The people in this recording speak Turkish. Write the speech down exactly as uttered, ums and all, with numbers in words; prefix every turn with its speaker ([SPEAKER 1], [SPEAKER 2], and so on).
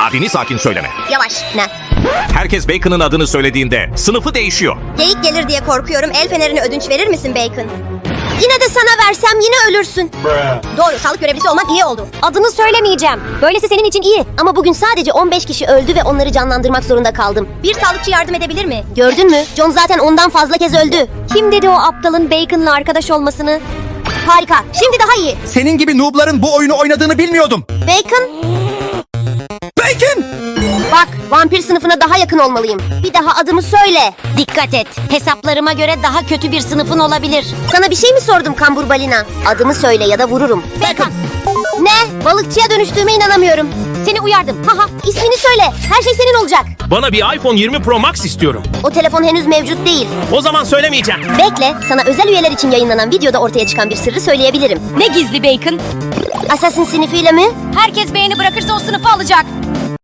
[SPEAKER 1] Adini sakin söyleme.
[SPEAKER 2] Yavaş. Ne?
[SPEAKER 1] Herkes Bacon'ın adını söylediğinde sınıfı değişiyor.
[SPEAKER 2] Geyik gelir diye korkuyorum. El fenerini ödünç verir misin Bacon? Yine de sana versem yine ölürsün. Doğru, sağlık görevlisi olman iyi oldu.
[SPEAKER 3] Adını söylemeyeceğim. Böylesi senin için iyi.
[SPEAKER 2] Ama bugün sadece on beş kişi öldü ve onları canlandırmak zorunda kaldım. Bir sağlıkçı yardım edebilir mi? Gördün mü? John zaten ondan fazla kez öldü.
[SPEAKER 3] Kim dedi o aptalın Bacon'la arkadaş olmasını?
[SPEAKER 2] Harika. Şimdi daha iyi.
[SPEAKER 4] Senin gibi noobların bu oyunu oynadığını bilmiyordum.
[SPEAKER 2] Bacon,
[SPEAKER 4] Bacon!
[SPEAKER 2] bak vampir sınıfına daha yakın olmalıyım. Bir daha adımı söyle.
[SPEAKER 3] Dikkat et. Hesaplarıma göre daha kötü bir sınıfın olabilir.
[SPEAKER 2] Sana bir şey mi sordum kambur balina? Adımı söyle ya da vururum.
[SPEAKER 3] Bacon.
[SPEAKER 2] Ne? Balıkçıya dönüştüğüme inanamıyorum.
[SPEAKER 3] Seni uyardım.
[SPEAKER 2] Haha, ismini söyle. Her şey senin olacak.
[SPEAKER 5] Bana bir iPhone yirmi Pro Max istiyorum.
[SPEAKER 2] O telefon henüz mevcut değil.
[SPEAKER 5] O zaman söylemeyeceğim.
[SPEAKER 2] Bekle, sana özel üyeler için yayınlanan videoda ortaya çıkan bir sırrı söyleyebilirim.
[SPEAKER 3] Ne gizli Bacon?
[SPEAKER 2] Assassin sınıfıyla mi?
[SPEAKER 3] Herkes beğeni bırakırsa o sınıfı alacak.